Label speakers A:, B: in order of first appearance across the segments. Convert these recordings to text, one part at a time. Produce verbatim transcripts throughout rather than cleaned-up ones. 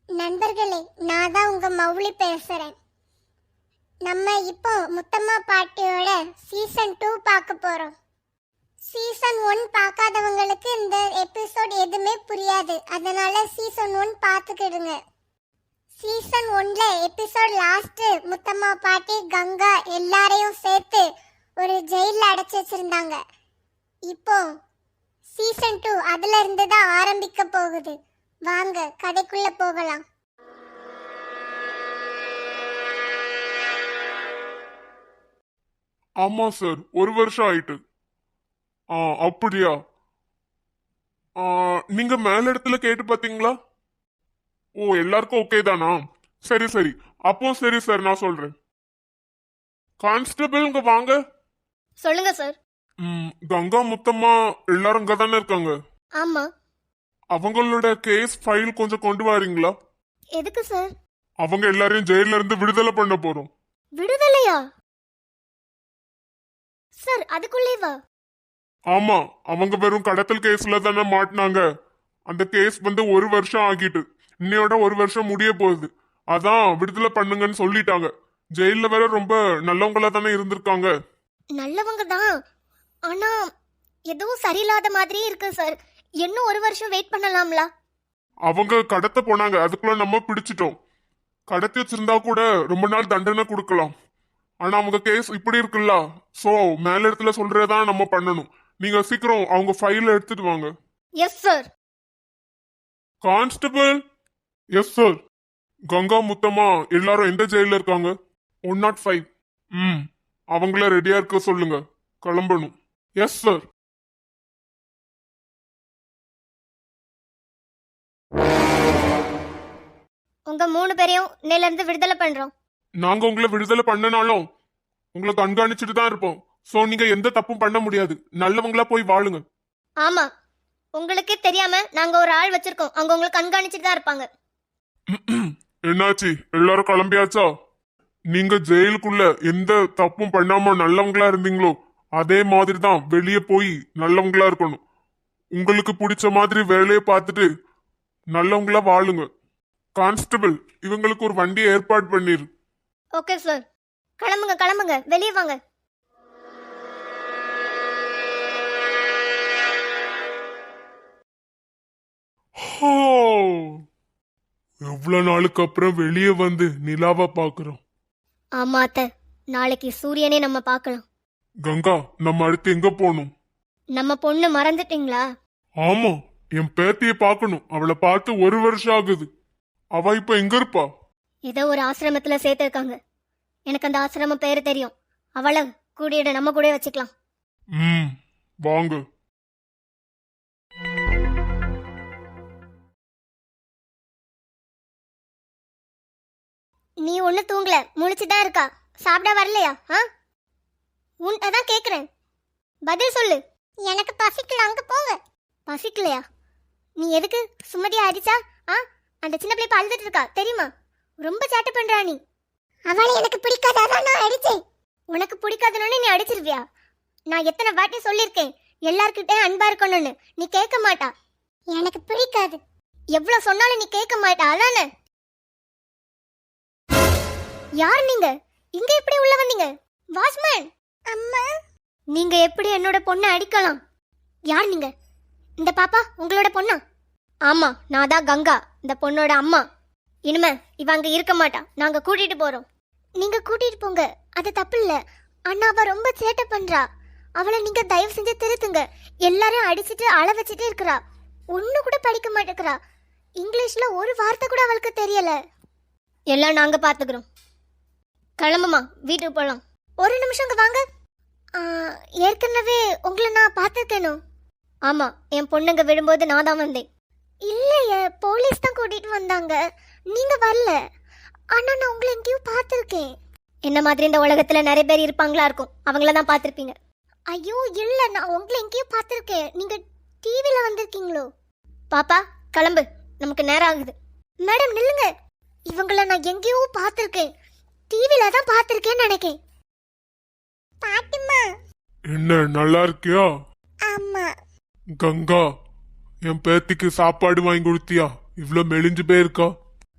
A: நண்பர்களே, நான் தான் உங்க மௌலி பேசுறேன். நம்ம இப்போ முத்தம்மா பாட்டியோட சீசன் டூ பார்க்க போறோம். சீசன் ஒன் பார்க்காதவங்களுக்கு இந்த எபிசோட் எதுவுமே புரியாது, அதனால சீசன் ஒன் பார்த்துக்கிடுங்க. சீசன் ஒன்ல எபிசோட் லாஸ்ட் முத்தம்மா பாட்டி கங்கா எல்லாரையும் சேர்த்து ஒரு ஜெயில அடைச்சு வச்சிருந்தாங்க. இப்போ சீசன் டூ அதுல இருந்து தான் ஆரம்பிக்க போகுது. வாங்க கதைக்குள்ள போகலாம்.
B: ஆமா சார், ஒரு வருஷம் ஆயிட்டு. ஆ அப்படியா? ஆ, நீங்க மேல இடத்துல கேட்டு பாத்தீங்களா? ஓ, எல்லாருக்கும் ஓகே தானா? சரி சரி, அப்போ சரி சார், நான் சொல்றேன். கான்ஸ்டபிள் இங்க வாங்க.
C: சொல்லுங்க சார்.
B: ம், கங்கா முத்தம்மா எல்லாரும் இங்க தானே இருக்காங்க?
C: ஆமா.
B: அவங்களோட கேஸ் ஃபைல் கொஞ்சம் கொண்டு வரீங்களா?
C: எதுக்கு சார்?
B: அவங்க எல்லாரையும் ஜெயில இருந்து விடுதலை பண்ண போறோம்.
C: விடுதலையா சார்? அதுக்குள்ளேவா?
B: ஆமா, அவங்க வெறும் கடத்தல் கேஸ்ல தானே மாட்டினாங்க. அந்த கேஸ் வந்து ஒரு வருஷம் ஆகிட்டு, இன்னையோட ஒரு வருஷம் முடிய போகுது. அதான் விடுதலை பண்ணுங்கன்னு சொல்லிட்டாங்க. ஜெயில வேற ரொம்ப நல்லவங்களா தானே இருந்திருக்காங்க.
C: நல்லவங்க தான், ஆனா எதுவும் சரியில்லாத மாதிரி இருக்கு சார். இன்னும் ஒரு வருஷம் வெயிட் பண்ணலாம்ல?
B: அவங்க கடத்த போனாங்க, அதுக்குள்ள நம்ம பிடிச்சிட்டோம். கடத்தி வச்சிருந்தா கூட ரொம்ப நாள் தண்டனை கொடுக்கலாம். ஆனா அவங்க கேஸ் இப்படி இருக்குல்ல, சோ மேல இடத்துல சொல்றதான் நம்ம பண்ணணும். நீங்க சீக்கிரம் அவங்க ஃபைல எடுத்துட்டு வாங்க.
C: Yes sir.
B: Constable. Yes sir. Ganga Muthamma எல்லாரும் எந்த ஜெயில இருக்காங்க? One nought five. ம், அவங்கள ரெடியா இருக்க சொல்லுங்க, கிளம்பணும். Yes sir.
C: உங்க மூணு பேரையும் இன்னையில இருந்து விடுதலை பண்றோம்.
B: நாங்க உங்களை விடுதலை பண்ணனாலும் உங்களை கண்காணிச்சுட்டு தான் இருப்போம். சோ நீங்க எந்த தப்பும் பண்ண முடியாது. நல்லவங்களா போய் வாழுங்க.
C: ஆமா, உங்களுக்கே தெரியாம நாங்க ஒரு ஆள் வச்சிருக்கோம், அவங்க உங்களை கண்காணிச்சுட்டு தான் இருப்பாங்க.
B: என்னாச்சு, எல்லாரும் கிளம்பியாச்சா? நீங்க ஜெயிலுக்குள்ள எந்த தப்பும் பண்ணாம நல்லவங்களா இருந்தீங்களோ அதே மாதிரி தான் வெளியே போய் நல்லவங்களா இருக்கணும். உங்களுக்கு பிடிச்ச மாதிரி வேலையை பார்த்துட்டு நல்லவங்களா வாழுங்க. கான்ஸ்டபிள், இவங்களுக்கு ஒரு வண்டியை ஏற்பாடு பண்ணிரு.
C: Okay sir. கிளம்புங்க கிளம்புங்க, வெளியே வாங்க.
B: எவ்வளவு நாளுக்கு அப்புறம் வெளியே வந்து நிலாவை பாக்குறோம்.
C: ஆமா அத்தை, நாளைக்கு சூரியனே நம்ம பார்க்கலாம்.
B: கங்கா, நம்ம அடுத்து எங்க போகணும்?
C: நம்ம பொண்ணு மறந்துட்டீங்களா?
B: ஆமா, என் பேத்திய பாக்கணும். அவளை பார்த்து ஒரு வருஷம் ஆகுது. அவ இப்ப எங்க இருப்பா?
C: ஏதோ ஒரு ஆசிரமத்துல சேர்த்திருக்காங்க. எனக்கு அந்த ஆசிரமம் பேரு தெரியும். அவளை கூடியிட நம்ம கூட வச்சுக்கலாம்.
B: ம், வாங்க.
C: நீ ஒண்ணு தூங்கல, முழிச்சுதான் இருக்கா. சாப்பிட வரலையா? ஆ, உன் அதான் கேக்குறேன், பதில் சொல்லு.
A: எனக்கு பசிக்கல, அங்க போங்க.
C: பசிக்கலையா? நீ எதுக்கு சுமதியா அடிச்சா? ஆ, அந்த சின்ன பிள்ளை அழுதுட்டு இருக்கா தெரியுமா? ரொம்ப சேட்டை பண்றா நீ.
A: அவளை எனக்கு பிடிக்காதான் நான் அடிச்சேன்.
C: உனக்கு பிடிக்காதுன்னு நீ அடிச்சிருவியா? நான் எத்தனை வாட்டி சொல்லியிருக்கேன் எல்லார்கிட்டே அன்பா இருக்கணும்னு, நீ கேட்க மாட்டா.
A: எனக்கு பிடிக்காது.
C: எவ்வளவு சொன்னாலும் நீ கேட்க மாட்டா, அதானே? யார் நீங்க? இங்க எப்படி உள்ள வந்தீங்க? வாட்ச்மேன்.
A: அம்மா,
C: நீங்க எப்படி என்னோட பொண்ணை அடிக்கலாம்? யார் நீங்க? இந்த பாப்பா உங்களோட பொண்ணா? ஆமா, நான் தான் கங்கா, இந்த பொண்ணோட அம்மா. இனிமே இவ அங்க இருக்க மாட்டா, நாங்க கூட்டிட்டு போறோம். நீங்க கூட்டிட்டு போங்க, அது தப்பு இல்ல. ஆனா அவ ரொம்ப சேட்டை பண்றா. அவளை நீங்க தயவு செஞ்சு திருத்துங்க. எல்லாரும் அடிச்சிட்டு அழ வச்சுட்டு இருக்கிறா. ஒண்ணு கூட படிக்க மாட்டேங்கிறா. இங்கிலீஷ்ல ஒரு வார்த்தை கூட அவளுக்கு தெரியல. எல்லாம் நாங்க பாத்துக்கிறோம். கிளம்புமா, வீட்டுக்கு போலாம். ஒரு நிமிஷம் இங்க வாங்க. ஏற்கனவே உங்களை நான் பார்த்துருக்கேனோ? ஆமா, என் பொண்ணுங்க விடும்போது நான் தான் வந்தேன். இல்லையே, போலீஸ் தான் கூட்டிட்டு வந்தாங்க, நீங்க வரல. ஆனா நான் உங்களை எங்கேயும் பார்த்துருக்கேன். என்ன மாதிரி இந்த உலகத்துல நிறைய பேர் இருப்பாங்களா இருக்கும், அவங்கள தான் பார்த்துருப்பீங்க. ஐயோ இல்ல, நான் உங்களை எங்கேயும் பார்த்துருக்கேன். நீங்க டிவில வந்திருக்கீங்களோ? பாப்பா கிளம்பு, நமக்கு நேரம் ஆகுது. மேடம் நில்லுங்க, இவங்கள நான் எங்கேயோ பார்த்துருக்கேன், டிவில தான் பார்த்துருக்கேன்னு நினைக்கேன்.
A: பாட்டிமா.
B: என்ன, நல்லா இருக்கியா?
A: ஆமா.
B: கங்கா, என் பேத்திக்கு சாப்பாடு வாங்கி கொடுத்தியா? இவ்வளவு மெலிஞ்சு போயிருக்கா.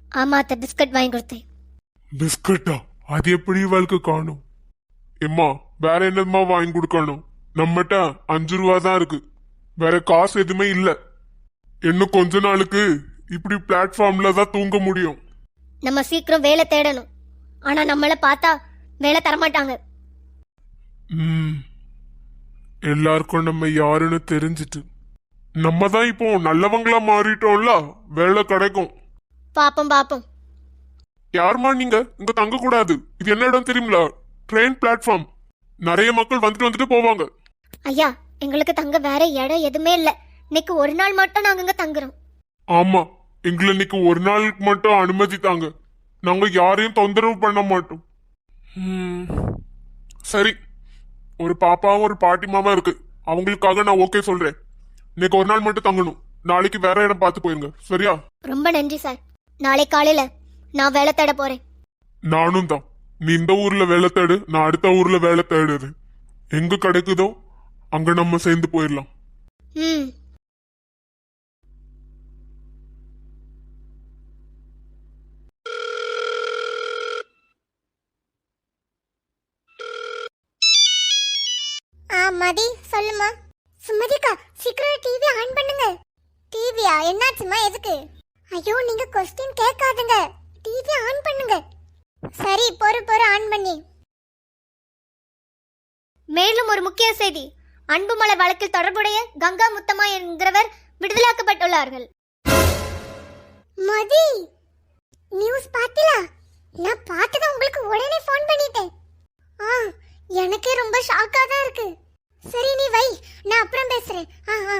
C: ஆமா அத்தை, பிஸ்கட் வாங்கி கொடுத்தேன்.
B: பிஸ்கட்டா? அது எப்படி இவளுக்கு காணும்? எம்மா வேற என்னமா வாங்கி கொடுக்கணும்? நம்மகிட்ட அஞ்சு ரூபா தான் இருக்கு, வேற காசு எதுவுமே இல்ல. இன்னும் கொஞ்ச நாளுக்கு இப்படி பிளாட்ஃபார்ம்ல தான் தூங்க முடியும்.
C: நம்ம சீக்கிரம் வேலை தேடணும். ஆனா நம்மள பார்த்தா வேலை தரமாட்டாங்க.
B: ம் எல்லாருக்கும் நம்ம யாருன்னு தெரிஞ்சிட்டு நம்ம தான் இப்போ நல்லவங்களா மாறிட்டோம்ல, வேலை கிடைக்கும்.
C: பாப்போம் பாப்போம்.
B: யாருமா நீங்க? இங்க தங்க கூடாது. இது என்ன இடம் தெரியுங்களா? Train platform. நிறைய மக்கள் வந்துட்டு வந்துட்டு போவாங்க.
C: ஐயா, எங்களுக்கு தங்க வேற இடம் எதுவுமே இல்ல. இன்னைக்கு ஒரு நாள் மட்டும் நாங்க இங்க தங்குறோம்.
B: ஆமா, எங்களை இன்னைக்கு ஒரு நாளுக்கு மட்டும் அனுமதி தாங்க. நாங்க யாரையும் தொந்தரவு பண்ண மாட்டோம். ம், சரி, ஒரு பாப்பாவும் ஒரு பாட்டிமாவும் இருக்கு, அவங்களுக்காக நான் ஓகே சொல்றேன். இன்னைக்கு ஒரு நாள் மட்டும் தங்கணும், நாளைக்கு வேற இடம் பார்த்து போயிருங்க, சரியா?
C: ரொம்ப நன்றி சார். நாளை காலையில நான் வேலை தேட போறேன்.
B: நானும் தான். நீ இந்த ஊர்ல வேலை தேடு, நான் அடுத்த ஊர்ல வேலை தேடுறேன். எங்க கிடைக்குதோ அங்க நம்ம சேர்ந்து போயிடலாம்.
C: ம்.
A: ஆ மதி, சொல்லுமா. சுமதிக்கா, சீக்கிரம் டிவி ஆன் பண்ணுங்க. டிவியா? என்னாச்சுமா? எதுக்கு? ஐயோ, நீங்க கொஸ்டின் கேட்காதுங்க, டிவி ஆன் பண்ணுங்க. சரி, பொறு பொறு ஆன் பண்ணி.
C: மேலும் ஒரு முக்கிய செய்தி. அன்புமலை வழக்கில் தொடர்புடைய கங்கா முத்தம்மா என்கிறவர் விடுதலாக்கப்பட்டுள்ளார்கள்.
A: மதி, நியூஸ் பாத்தியா? நான் பார்த்தத உங்களுக்கு உடனே ஃபோன் பண்ணிட்டேன். ஆ, எனக்கே ரொம்ப ஷாக்கா தான் இருக்கு. சரி நீ வை, நான் அப்புறம் பேசுறேன். ஆ ஆ.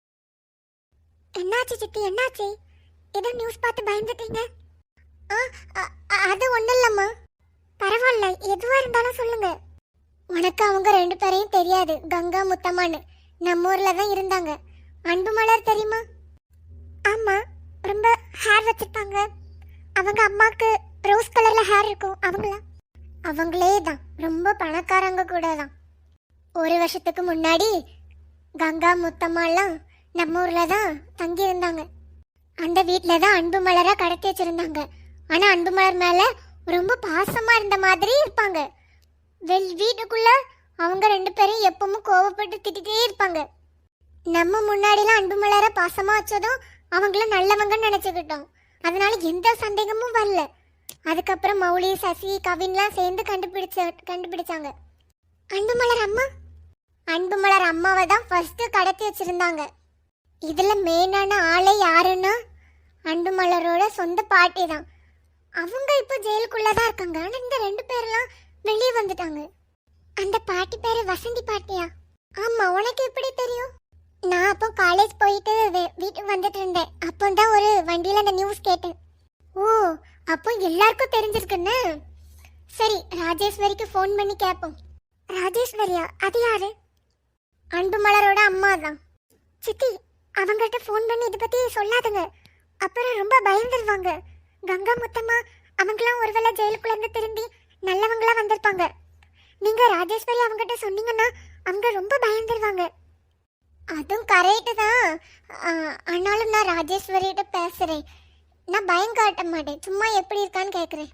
A: என்னாச்சு சித்தி, என்னாச்சு? ஏதோ நியூஸ் பார்த்து பயந்துட்டீங்க? ஆ, அ- அ- அது ஒண்ணும் இல்லம்மா. பரவாயில்ல, எதுவா இருந்தாலும் சொல்லுங்க. உனக்கு அவங்க ரெண்டு பேரையும் தெரியாது, கங்கா முத்தம்மான்னு. நம்ம ஊர்ல தான் இருந்தாங்க. அன்பு மலர் தெரியுமா? ஆமா, ரொம்ப ஹேர் வச்சிருப்பாங்க. அவங்க அம்மாக்கு ரோஸ் கலர்ல ஹேர் இருக்கும், அவங்களா? அவங்களே தான், ரொம்ப பணக்காரங்க கூட தான். ஒரு வருஷத்துக்கு முன்னாடி கங்கா முத்தம்மாலாம் நம்ம ஊர்ல தான் தங்கி இருந்தாங்க. அந்த வீட்டில தான் அன்பு மலரா கடத்தி வச்சிருந்தாங்க. ஆனா அன்பு மலர் மேல ரொம்ப பாசமா இருந்த மாதிரி இருப்பாங்க. வெள் வீட்டுக்குள்ள அவங்க ரெண்டு பேரும் எப்பவும் கோவப்பட்டு திட்டிகிட்டே இருப்பாங்க. நம்ம முன்னாடிலாம் அன்பு மலர பாசமா வச்சதும் அவங்கள நல்லவங்கன்னு நினைச்சுக்கிட்டோம். அதனால எந்த சந்தேகமும் வரல. அதுக்கப்புறம் மௌலி, சசி, கவின்லாம் சேர்ந்து கண்டுபிடிச்ச கண்டுபிடிச்சாங்க. அன்பு மலர் அம்மா அன்பு மலர் அம்மாவை தான் ஃபர்ஸ்ட் கடத்தி வச்சிருந்தாங்க. இதுல மெயினான ஆளே யாருன்னா அன்பு மலரோட சொந்த பாட்டி தான். அவங்க இப்போ ஜெயிலுக்குள்ளதான் இருக்காங்க. ஆனா இந்த ரெண்டு பேர்லாம் வெளியே வந்துட்டாங்க. அந்த பாட்டி பேரு வசந்தி பாட்டியா? ஆமா, உனக்கு எப்படி தெரியும்? நான் அப்போ காலேஜ் போயிட்டு வீட்டுக்கு வந்துட்டு இருந்தேன். அப்போ தான் ஒரு வண்டியில அந்த நியூஸ் கேட்டேன். ஓ, அப்போ எல்லாருக்கும் தெரிஞ்சிருக்குன்னு. சரி, ராஜேஸ்வரிக்கு ஃபோன் பண்ணி கேட்போம். ராஜேஸ்வரியா? அது யாரு? அன்பு மலரோட அம்மா தான். சித்தி, அவங்கள்ட்ட ஃபோன் பண்ணி இதை பத்தி சொல்லாதுங்க, அப்புறம் ரொம்ப பயந்துருவாங்க. கங்கா முத்தம்மா அவங்களாம் ஒருவேளை ஜெயிலுக்குள்ள இருந்து திரும்பி நல்லவங்களா வந்திருப்பாங்க. நீங்க ராஜேஸ்வரி அவங்ககிட்ட சொன்னீங்கன்னா அவங்க ரொம்ப பயந்துருவாங்க. அதுவும் கரெக்டு தான். ஆனாலும் நான் ராஜேஸ்வரிகிட்ட பேசுறேன். நான் பயம் காட்ட மாட்டேன், சும்மா எப்படி இருக்கான்னு கேட்குறேன்.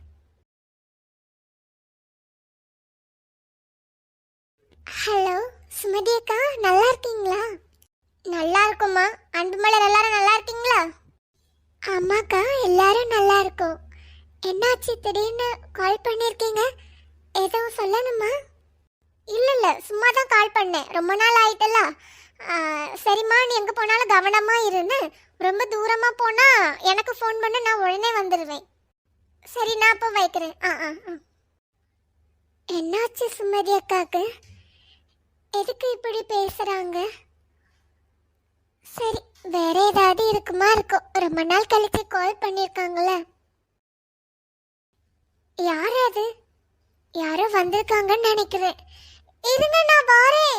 A: ஹலோ சுமதி அக்கா, நல்லா இருக்கீங்களா? நல்லா இருக்குமா. அன்பு மலர் எல்லாரும் நல்லா இருக்கீங்களா? ஆமாக்கா, எல்லாரும் நல்லா இருக்கோம். என்னாச்சு திடீர்னு கால் பண்ணியிருக்கீங்க? எதுவும் சொல்லணுமா? இல்லை இல்லை, சும்மா தான் கால் பண்ணேன். ரொம்ப நாள் ஆயிட்டல. சரிம்மா, நீ எங்கே போனாலும் கவனமாக இருந்து. ரொம்ப தூரமாக போனால் எனக்கு ஃபோன் பண்ண, நான் உடனே வந்துடுவேன். சரி, நான் அப்போ வைக்கிறேன். ஆ ஆ ஆ. என்னாச்சு சுமதி அக்காவுக்கு? எதுக்கு இப்படி பேசுகிறாங்க? சரி, வேற ஏதாவது இருக்குமா இருக்கும். ரொம்ப நாள் கழிச்சு கால் பண்ணியிருக்காங்களே. யார் அது? யாரோ வந்திருக்காங்கன்னு நினைக்கிறேன். இருங்க, நான் வாரேன்.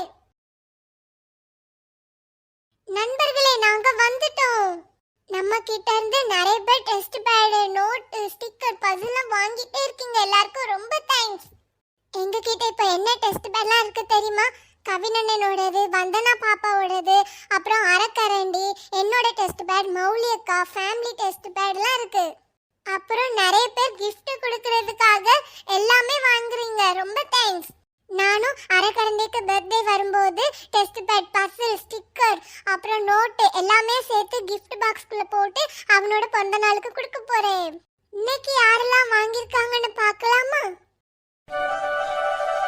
A: நண்பர்களே, நாங்க வந்துட்டோம். நம்ம கிட்ட இருந்து நிறைய பேர் டெஸ்ட் பேடு, நோட், ஸ்டிக்கர், பசிலாம் வாங்கிட்டே இருக்கீங்க. எல்லாருக்கும் ரொம்ப தேங்க்ஸ். எங்க கிட்ட இப்ப என்ன டெஸ்ட் பேட்லாம் இருக்கு தெரியுமா? கவினண்ணனோடது, வந்தனா பாப்பாவோடது, அப்புறம் அரைக்கரண்டி, என்னோட டெஸ்ட் பேட், மௌலி அக்கா, ஃபேமிலி டெஸ்ட் பேட்லாம் இருக்கு. அப்புறம் நிறைய பேர் gift கொடுக்கறதுக்காக எல்லாமே வாங்குறீங்க. ரொம்ப தேங்க்ஸ். நானும் அரக்கரண்டைக்கு பர்த்டே வரும்போது டெஸ்ட் பேட், பசில், ஸ்டிக்கர், அப்புறம் நோட்டு எல்லாமே சேர்த்து gift பாக்ஸ்க்குள்ள போட்டு அவனோட பிறந்த நாளுக்கு கொடுக்க போறேன். இன்னைக்கு யாரெல்லாம் வாங்கியிருக்காங்கன்னு பார்க்கலாமா?